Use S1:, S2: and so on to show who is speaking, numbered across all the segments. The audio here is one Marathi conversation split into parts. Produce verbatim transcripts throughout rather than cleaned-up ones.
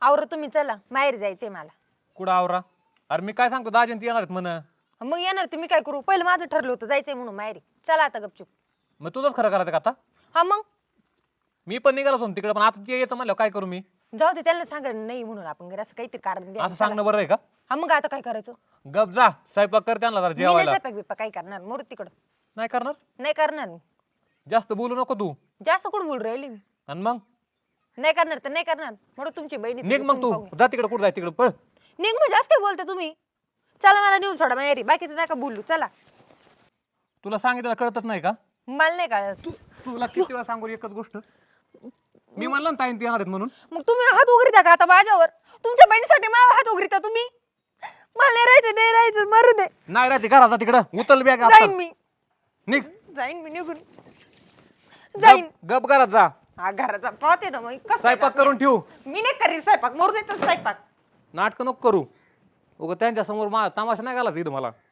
S1: आवरा तुम्ही, चला माहेर जायचंय मला.
S2: कुठं आवरा? अरे मी काय सांगतो, दाजीन ती येणार आहेत म्हण.
S1: मग येणार ते मी काय करू? पहिलं माझं ठरलं होतं जायचंय म्हणून माहेरी. चला आता गपचूप.
S2: मग तुझंच खरं करायचं का आता?
S1: हा मग
S2: मी पण निघालो होतो तिकडे, पण आता ते येतं म्हणलं काय करू मी?
S1: जाऊ दे, त्यांना सांगा नाही म्हणून आपण घरी असं काहीतरी कारण द्या.
S2: असं सांगणं बरं आहे का?
S1: हा मग आता काय करायचं?
S2: गप जा, स्वयंपाक कर त्यांना जरा
S1: मी नाही
S2: जेवायला.
S1: स्वयंपाक बिपाक काय करणार, मोर तिकडं.
S2: नाही करणार?
S1: नाही करणार मी.
S2: जास्त बोलू नको तू.
S1: जास्त कुठं बोल राहिली मी?
S2: आणि मग
S1: नाही करणार तर नाही करणार. म्हणून तुमची बहिणी
S2: निघ मग तू, जा तिकडे, कुठं जाय तिकडे पळ.
S1: निघ मग, जास्त काय बोलता तुम्ही? चला मला नेऊन सोडा माहेरी, बाकीचं नका बोलू. चला.
S2: तुला सांगितलं कळतच नाही का?
S1: मला नाही कळत.
S2: तुला किती वेळा सांगू एकच गोष्ट? मी म्हणलं ना ताईन ती येणार आहेत म्हणून.
S1: मग तुम्ही हात उघडता का आता माझ्यावर? तुमच्या बहिणीसाठी माझ्यावर हात उघडता तुम्ही? मला नाही राहायचं, नाही राहायचं, मरू दे.
S2: नाही राहते घरात, जा तिकडं, उचल बॅग
S1: जाईन मी,
S2: निघ.
S1: जाईन मी निघून जाईन.
S2: गप- गप घरात जा.
S1: हा घराचा पाहते ना मग कसं
S2: स्वयंपाक करून ठेवू.
S1: मी नाही करीन स्वयंपाक, मरू देतो स्वयंपाक.
S2: नाटकं नको करू. उगा त्यांच्या समोर मा तमाशा नाही घालायचा इथं मला.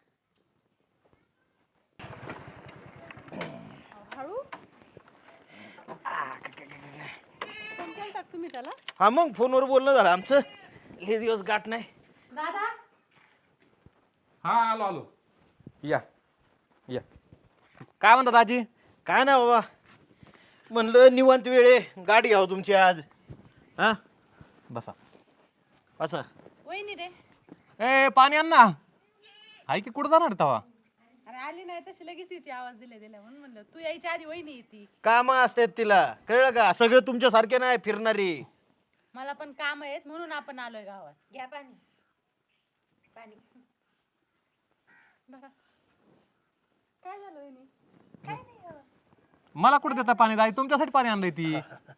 S3: तुम्ही त्याला
S4: हा मग फोनवर बोलणं झालं आमचं. हे दिवस गाठ नाही.
S3: दादा
S2: हा आलो आलो. या या. काय म्हणतात दाजी?
S4: काय ना बाबा, म्हणलं निवांत वेळ आहे, गाडी घ्यावं तुमची आज. हा
S2: बसा.
S4: असं
S3: वहिनी रे.
S2: ए पाणी आण ना. हाय की कुठं जाणार तवा?
S3: अरे आली नाही तशी लगेच येते आवाज दिल्या दिल्या म्हणून म्हणलं तू यायच्या आधी वहिनी येते.
S4: कामं असतात तिला, कळलं का? सगळं तुमच्यासारखे नाही फिरणारी.
S3: मला पण काम आहेत म्हणून आपण आलोय गावात.
S1: घ्या पाणी. पाणी
S3: बरं काय झालं वहिनी?
S1: काय नाही हो.
S2: मला कुठं देता पाणी? दाई तुमच्यासाठी पाणी आणलंय ती.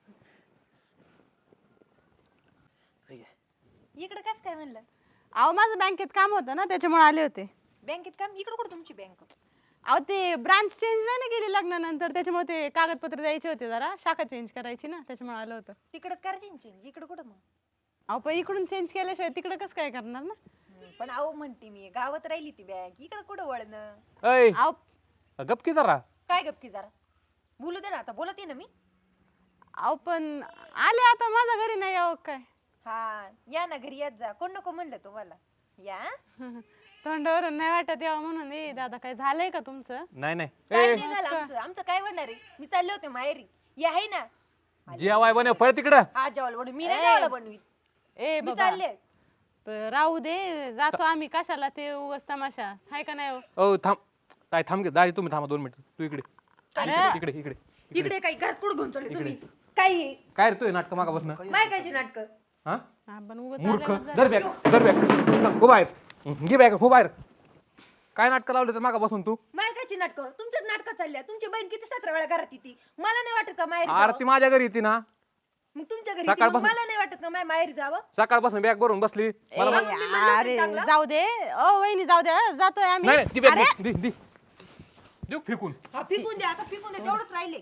S1: इकडे कस काय म्हणलं?
S3: अहो माझं बँकेत काम होतं ना त्याच्यामुळे आले होते.
S1: बँकेत काम? इकडे कुठं तुमची बँक?
S3: अहो ते ब्रांच चेंज नाही ना केली लग्नानंतर, त्याच्यामुळे ते कागदपत्र द्यायचे होते, जरा शाखा चेंज करायची ना, त्याच्यामुळे आलं होतं.
S1: तिकडे करायची चेंज, इकडे कुठं मग?
S3: अहो पण इकडून चेंज केल्याशिवाय तिकडे कसं काय करणार ना?
S1: पण अहो म्हणते मी, गावात राहिली ती बँक, इकडे कुठं वळणं?
S2: ऐ
S3: अहो
S2: गप की जरा.
S1: काय गपकी जरा? बोलू दे ना आता, बोलते ना मी.
S3: अहो पण आले आता, माझ्या घरी नाही यावं काय?
S1: हा या ना घरी, यात जा. कोण नको म्हणलं तुम्हाला? या.
S3: तोंडावरून नाही वाटत यावं म्हणून. ए दादा काय झालंय का तुमचं?
S2: नाही नाही.
S1: काय
S2: ए
S1: नाही झालं आमचं, आमचं काय म्हणणार आहे? मी चालले होते माहेरी. या आहे ना.
S2: जेवाय बने पळ तिकडं.
S1: हा जेवायला बनवी, मी नाही जेवायला बनवीत.
S3: ए
S1: मी
S3: बाबा
S1: चालले.
S3: प- राहू दे, जातो आम्ही, कशाला ते उगाच तमाशा हाय का नाही हो?
S2: ओ थांब. काय थांब घे दाजी, तुम्ही थांबा दोन मिनिट. तू इकडे इकडे इकडे इकडे.
S1: इकडे काही घरात कुठं घेऊन चालले तुम्ही? काय हे?
S2: काय रे तू नाटक मागा बसणं?
S1: मायकाची नाटक.
S2: हा
S3: आपण उगाच
S2: मूर्ख.
S3: आल्यावर जरा-
S2: दर बॅग दर बॅग हो बाहेर. घे बॅग हो बाहेर. काय नाटक लावले तर मागा बसून तू?
S1: मायकाची नाटक तुमच्याच नाटकात चालल्या. तुमची बहीण किती सतरा वेळा घरात येते, मला नाही वाटत का माहेर
S2: अरे ती माझ्या घरी येते ना.
S1: मग तुमच्या घरी येते, मग
S2: सकाळपासून-
S1: मला नाही वाटत का माय माहेर जावं?
S2: सकाळपासून बॅग भरून बसली. मला
S3: ए,
S2: म्हण-
S1: मी म्हणलं होतं
S3: अरे
S1: चांगलं.
S3: जाऊ दे ओ वहिनी, जाऊ दे हं, जातोय आम्ही.
S2: नाही नाही, ती बॅग
S3: अरे,
S2: दे दे देऊ फेकून.
S1: हा फिकून द्या आता, फिकून द्या, तेवढंच राहिले.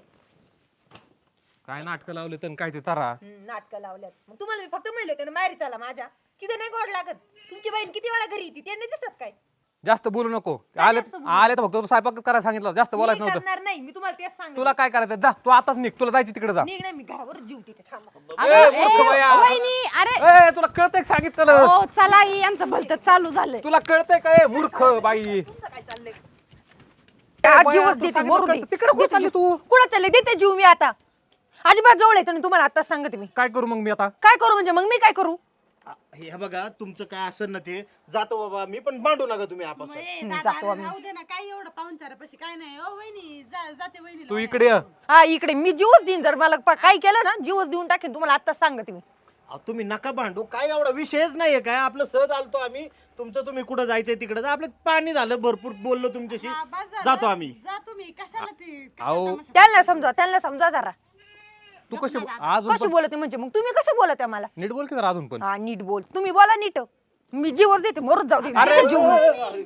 S2: काय नाटक लावले तर काय ते तारा.
S1: नाटक लावल्यात. मग तुम्हाला मी फक्त म्हणले होते ना माहेरी चला माझ्या, किती नाही गोड लागत. तुमची बहीण किती वेळा घरी येते, त्यांनी दिसत काय?
S2: जास्त बोलू नको. आले
S1: जास्त बोलू?
S2: आले तर फक्त स्वयंपाक करायला सांगितलं, जास्त
S1: मी
S2: बोलायचं नव्हतं.
S1: करणार नाही, मी तुम्हाला तेच सांग.
S2: तुला काय करायचं? जा तू आताच निघ, तुला जायची तिकडे जा.
S1: निघ नाही, मी घरावर जीव तिथे थांबा.
S3: अगं,
S2: ए,
S3: ए,
S2: मूर्ख बाया.
S3: वहिनी अरे
S2: ए तुला कळतंय का सांगितलं?
S3: ओ चला ही यांचं भलतं चालू झालंय.
S2: तुला कळतंय काय मूर्ख बाई?
S1: तुमचं काय चाललंय?
S2: बाया,
S1: जीवच
S2: तू
S1: देते,
S2: सांगितलं
S1: मरू दे.
S2: कळतं. तिकडे कुठं
S1: देते
S2: चालली
S1: जीव.
S2: तू?
S1: कुठं चालले? देते जीव मी आता. अजिबात जवळ येतो ना तुम्हाला, आताच सांगते मी.
S2: काय करू मग मी आता?
S1: काय करू म्हणजे? मग मी काय करू?
S4: आ, हे बघा तुमचं काय असेल ना ते, जातो बाबा मी, पण भांडू नका तुम्ही आपण.
S3: ए,
S1: हं,
S3: दादा,
S1: जातो
S3: अरे
S1: आम्ही.
S3: राहू दे ना, काय एवढं पाहुणचारापाशी काय नाही. ओ वहिनी जा- जाते वहिनी.
S2: तू इकडे ये.
S1: हा इकडे मी जीवच देईन, जर मला पा- काय केलं ना जीवच देऊन टाकेन तुम्हाला, आताच सांगते मी.
S4: तुम्ही नका भांडू, काय एवढा विषयच नाहीये. काय आपलं सहज आलतो आम्ही, तुमचं तुम्ही कुठं जायचंय तिकडे जा. आपलं पाणी झालं, भरपूर बोललो तुमच्याशी, जातो आम्ही.
S3: जा तुम्ही, कशाला ते
S2: अहो
S1: त्यांना समजा, त्यांना समजा जरा.
S2: तू कशी अजून
S1: कशी
S2: पण-
S1: बोलते म्हणजे? मग तुम्ही कसं बोलत मला?
S2: नीट बोल की जरा अजून पण.
S1: हा नीट बोल, तुम्ही बोला नीट. मी जीवच देते, मरून जाऊ दे.
S2: अरे,
S1: देते जीव मी.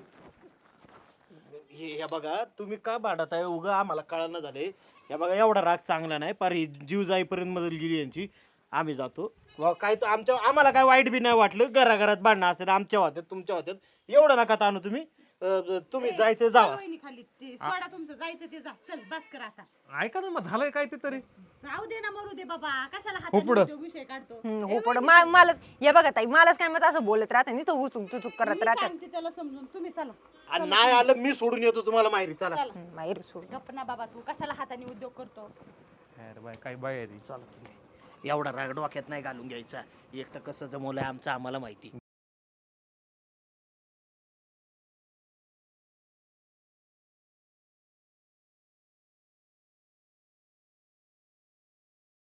S4: हे हे बघा तुम्ही का भांडत आहे उगा, आम्हाला कळायला झाले. हे बघा एवढा राग चांगला नाही, पार ही जीव जाईपर्यंत मदत गेली यांची. आम्ही जातो. वा, काय तर आमच्या आम्हाला काय वाईट बी नाही वाटलं. घराघरात भांडणं असतात, आमच्या होत्यात तुमच्या होत्यात, एवढं नका ताणू तुम्ही. अं, तुम्ही जायचं जावा.
S3: वहिनी खाली ते सोडा तुमचं, जायचं ते जा. चल बस कर आता.
S2: ऐका ना मग झालंय काय ते तरी.
S3: जाऊ दे ना मरू दे बाबा कशाला
S2: हो पुढं.
S3: हातात विषय काढतो
S1: हम्म, हो पण मा- मलाच हे बघा ताई मलाच काय मत असं बोलत राहते नुसतं उचूक तुचूक करत
S3: मी
S1: राहतात
S3: सांगते त्याला समजून तुम्ही चला
S4: आणि नाही आलं मी सोडून येतो तुम्हाला माहेरी चला
S3: चला
S1: हम्म, माहेर सोड
S3: गप्प ना बाबा तू कशाला हाताने उद्योग करतो
S2: अरे बाय काय बाय आहे ती.
S4: चला तुम्ही. एवढा राग डोक्यात नाही घालून घ्यायचा एक तर कसं जमवलंय आमचं आम्हाला माहिती